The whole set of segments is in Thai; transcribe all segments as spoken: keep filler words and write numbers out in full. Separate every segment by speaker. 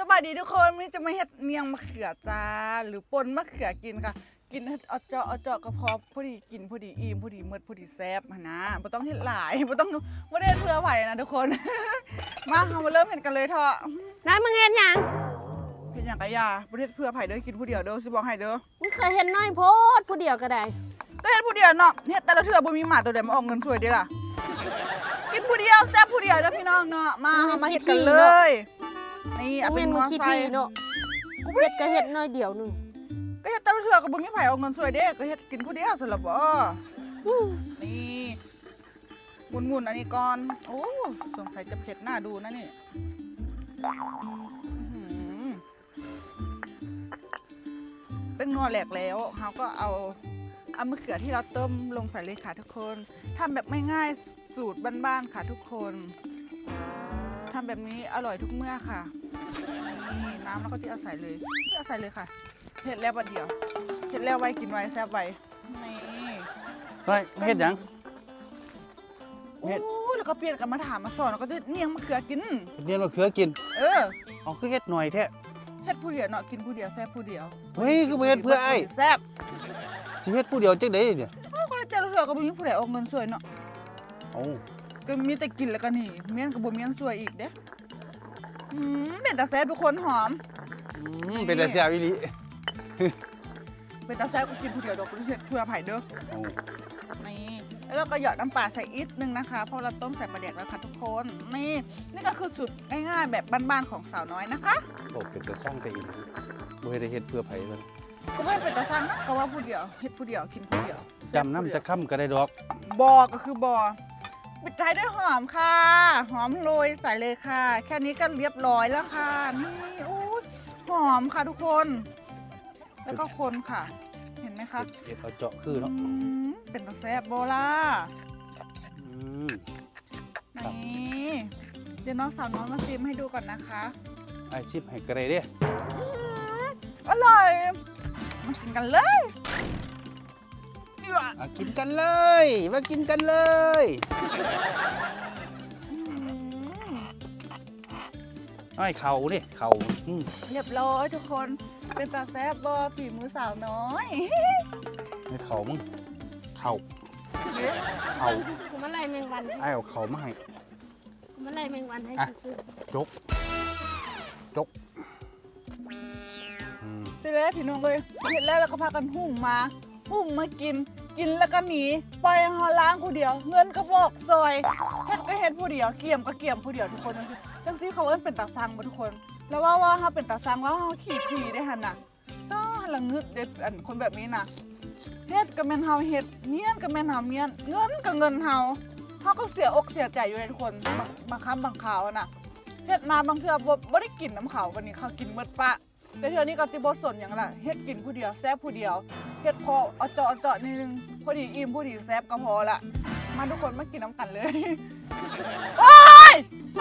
Speaker 1: บายดีทุกคนวันนี้จะมาเฮ็ดเนียงมะเขือจ้าหรือปนมะเขือกินค่ะกินเอาเจาะเอาเจาะกระเพาะพอดีกินพอดีอิ่มพอดีเมิดพอดีแซ่บนะบ่ต้องเฮ็ดหลายบ่ต้องบ่ได้เพื่อไผนะทุกคน มาเฮามาเริ่มเฮ็ดกันเลยเถอะ
Speaker 2: น้ำมึงเห็นยัง
Speaker 1: เฮ็ดหยังกะยาบ่ได้เพื่อไผเด้อกินผู้เดียวเด้อสิบอกให้เด้อ
Speaker 2: มึงเคยเห็นน้อยโพดผู้เดียวก็ได้
Speaker 1: ก็เฮ็ดผู้เดียวเนาะเฮ็ดแต่ละเทื่อบ่มีหมาตัวใดมาออกเงินสวยเด้ล่ะกินผู้เดียวแซ่บผู้เดียวเด้อพี่น้องเนาะมาเฮามาเฮ็ดกันเลยนี่เอาเป็น
Speaker 2: มึ
Speaker 1: ม
Speaker 2: ง
Speaker 1: อ
Speaker 2: คิด
Speaker 1: ไซ
Speaker 2: ดี
Speaker 1: ค์
Speaker 2: เนาะ
Speaker 1: กูบ่
Speaker 2: เห็
Speaker 1: ได้
Speaker 2: ดก็เห็ดน้อยเดียวหนึง
Speaker 1: ก็เฮ็ดแต่ละเทื่อก็บ่มีไผเอาเงินสวยเด้ก็เฮ็ดกินผู้เดียวสำหรับบ่
Speaker 2: อื้อ
Speaker 1: นี่หมุนๆอันนี้ก่อนโอ้สงสัยจะเผ็ดหน้าดูนะนี่อื้อหือเป็นงอแหลกแล้วเราก็เอาเอามะเขือที่เราต้มลงใส่เลยค่ะทุกคนทำแบบง่ายๆสูตรบ้านๆค่ะทุกคนทำแบบนี้อร่อยทุกเมื่อค่ะนี่น้ำแล้วก็ที่เอาใส่เลยที่เอาใส่เลยค่ะเผ็ดแล้วประเดี๋ยวเผ็ดแล้วไว้กินไว้แซ่บไว้นี่
Speaker 3: เฮ้ยเฮ็ดหยัง
Speaker 1: โอ้แล้วก็เปลี่ยนกันมาถามมาสอนแล้วก็จะเนียงมะเขือกิน
Speaker 3: เรียนมะเขือกิน
Speaker 1: เออ
Speaker 3: เอาคือเฮ็ดหน่อยแท้
Speaker 1: เฮ็ดผู้เดียวเนาะกินผู้เดียวแซ่บผู้เดียว
Speaker 3: เฮ้ยคือบ่เฮ็ดเพื่อไอ้
Speaker 1: แซ่บ
Speaker 3: สิเฮ็ดผู้เดียวจังได๋เนี่ย
Speaker 1: เอ้าก็เจอเถื่อก็บ่มีผู้ใดออกเงินสวยเนาะ
Speaker 3: เอ้า
Speaker 1: ก็มีแต่กินแล้วก็นี่เมียนก็บ่เมียนสวยอีกเด้อืมเป็นตาแซ่บทุกคนหอม
Speaker 3: อืมเป็นแต่แซ่บอีหลี
Speaker 1: เป็นตาแซ่บก็กินผู้เดียวดอกบ่ได้เฮ็ดเพื่อไผเด้อ
Speaker 3: เอ้า
Speaker 1: นี่แล้วเราก็หยอดน้ำปลาใส่อีกนึงนะคะเพราะเราต้มใส่ปลาแดกแล้วค่ะทุกคนนี่นี่ก็คือสูตรง่ายๆแบบบ้านๆของสาวน้อยนะคะ
Speaker 3: บอกเป็นแต่สร้างแต่อีหลีบ่ได้เฮ็ดเพื่อไผเลย
Speaker 1: ก็ไม่เป็นตาสั่งนะก็ว่าผู้เดียวเฮ็ดผู้เดียวกินผู้เดียว
Speaker 3: จำน้ำจะค่ำก็ได้ดอก
Speaker 1: บอก็คือบอปิดท้ายด้วยหอมค่ะ หอมโรยใส่เลยค่ะ แค่นี้ก็เรียบร้อยแล้วค่ะ นี่โอ้ยหอมค่ะทุกคน แล้วก็คนค่ะ เห็นไหมคะ
Speaker 3: เฮ็ดเอาเจาะคือเนาะ
Speaker 1: อืมเป็นตาแซ่บโบล่า
Speaker 3: อืม
Speaker 1: นี่เดี๋ยวน้องสาวน้องมาซิมให้ดูก่อนนะคะ
Speaker 3: ไอ้ชิปให้ก็ได้เด้
Speaker 1: อืมอร่อยมากินกันเลยดีกว่า
Speaker 3: อ่ะกินกันเลย มากินกันเลย
Speaker 1: อืม
Speaker 3: ไอ้เข่านี่เข่าอืม
Speaker 1: เรียบร้อยทุกคนเป็นตาแซ่บบอฝีมือสาวน้อย
Speaker 3: ไอ้เข่ามึงเข่า
Speaker 1: เอ๊ะ
Speaker 3: เข่า
Speaker 2: เบิ่งซื่อๆกูมาไล่แมงวันให้
Speaker 3: ไอ้เอาเข่ามาให้
Speaker 2: กูมาไล่แมงวันให้
Speaker 3: อ่ะ
Speaker 2: ซื่อ
Speaker 3: จกจกอืม
Speaker 1: สิเลยพี่น้องเลยเห็นแล้วเราก็พากันหุ่มมา หุ่มมากิน กินแล้วก็หนีปล่อยให้เฮาล้างผู้เดียว เงินก็บอกซอยเฮ็ดก็เฮ็ดผู้เดียวเกี่ยมก็เกี่ยมผู้เดียวทุกคนจังซี่จังซี่เขาเอิ้นเป็นตาซังบ่ทุกคน แล้วว่าว่าเฮาเป็นตาซังว่าเฮาขี้ผีได้หั่นน่ะต้องละงึดเด็ดอันคนแบบนี้น่ะเฮ็ดก็แม่นเฮาเฮ็ดเมียนก็แม่นเฮาเมียนเงินก็เงินเฮาเฮาก็เสียอกเสียใจอยู่เลยทุกคนบางบางครั้งบางคราวน่ะเฮ็ดมาบางเทื่อบ่บ่ได้กินน้ำเขาบัดนี้เขากินหมดปะ แต่เทื่อนี้ก็สิบ่สนหยังล่ะเฮ็ดกินผู้เดียวแซ่บผู้เดียวเฮ็ดพอเอาเจาะเอาเจาะนิดนึงพอดีอิ่มพอดีแซ่บก็พอละมาทุกคนมากินน้ำกันเลย โอ้ย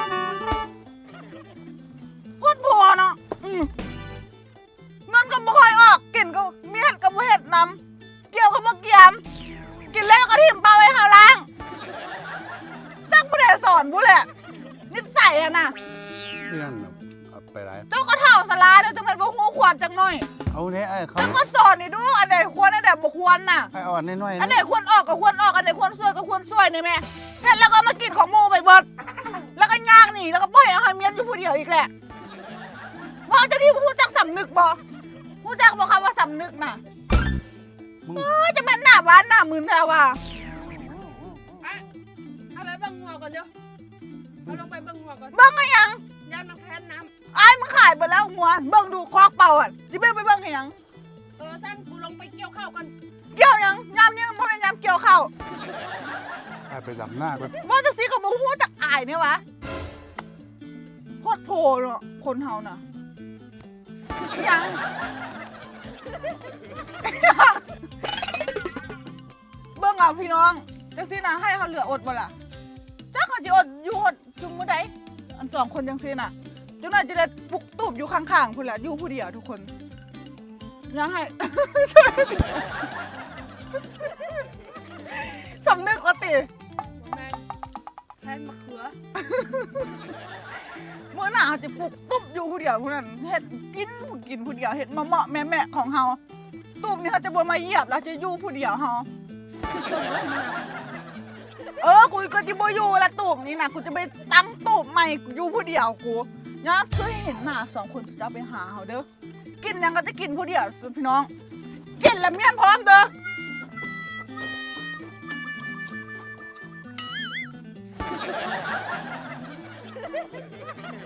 Speaker 1: พูดผัวเนาะอืมเงินก็บ่ค่อยออกกินก็มีเฮ็ดก็บ่เฮ็ดนำเกี่ยวก็บ่เกี่ยมกินแล้วก็ทิ่มปลาไว้หาล้างจักบ่ได้สอนบุแหละนิสัยอะน่ะ
Speaker 3: นี่นั่นน่ะเอาไปไร
Speaker 1: เจ้าก็เท่าสลาเด้อจังแม่นบ่ฮู้ความจักหน่อย
Speaker 3: เอาเนี่ยไอ้เขา
Speaker 1: แล้วก็สอนนี่ดูอันไหนควรอันไหนบ่ควรน่ะ
Speaker 3: ไอ้อ่อนน้อยๆ
Speaker 1: อัน
Speaker 3: นะ
Speaker 1: ไหนควรออกก็ควรออกอันไหนควรซวยก็ควรซวยนี่แม่เฮ็ดแล้วก็มากินของหมู่ไปเบิดแล้วก็ย่างหนีแล้วก็ปล่อยเอาให้เมียนอยู่ผู้เดียวอีกแหละว่าเจะที่ผู้จักสำนึกบ่ผู้จักบ่คำว่าสำนึกน่ะ
Speaker 3: มึง
Speaker 1: เอ้ยจะแม่นหน้าหวานหน้ามึนแท้ว่ะ
Speaker 2: ๆอะเอาไปเบิ่งหัวก่อนเดี๋ยวเอาลงไปเบิ่งหัวก่อน
Speaker 1: เบิ่งก็ยัง
Speaker 2: ยามน้ำแพ้นน้
Speaker 1: อ้ายมึงขายไปแล้วหัวเบิ่งดูคอกเป่าอ่ะสิเบิ่งไปเบิ่งให้หยัง
Speaker 2: ำเออท่านกูลงไปเกี่ยวข้าวกัน
Speaker 1: เกี่ยวหยังยามนี้บ่แม่นยามเกี่ยวข้าว
Speaker 3: ไอ้ไปดำหน้าไป
Speaker 1: ว่าจังซี่ก็บ่ฮู้จักอายเนี่ยวะโคตรโผล่เนาะคนเฮาน่ะยัง เบิ่งเอาพี่น้องจังซี่นะให้เขาเหลืออดบ่ล่ะจักเขาสิอดอยู่อดจุงมื้อใดอันสองคนจังซี่น่ะจังนั้นจะได้ปลุกตูบอยู่ข้างๆพุ่นล่ะอยู่ผู้เดียวทุกคนยังให้ สำนึกว่าติ
Speaker 2: แมงแพ้นมะเขือ
Speaker 1: โมมื้อหน้าเขาจะปลูกตุ๊บอยู่ผู้เดียวผู้นั้นเฮ็ดกินกินผู้เดียวเฮ็ดมาเหมาะแม่ๆของเฮาตุ๊บนี่เขาจะบ่มาเหยียบแล้วจะอยู่ผู้เดียวเฮาเออกูก็จะบ่อยู่ละตูบนี่นะกูจะไปตั้งตูบใหม่กูอยู่ผู้เดียวกูยากเคยเห็นหน้าสองคนจะไปหาเขาเด้อกินหยังก็จะกินผู้เดียวพี่น้องกินแล้วเมียนพร้อมเด้อ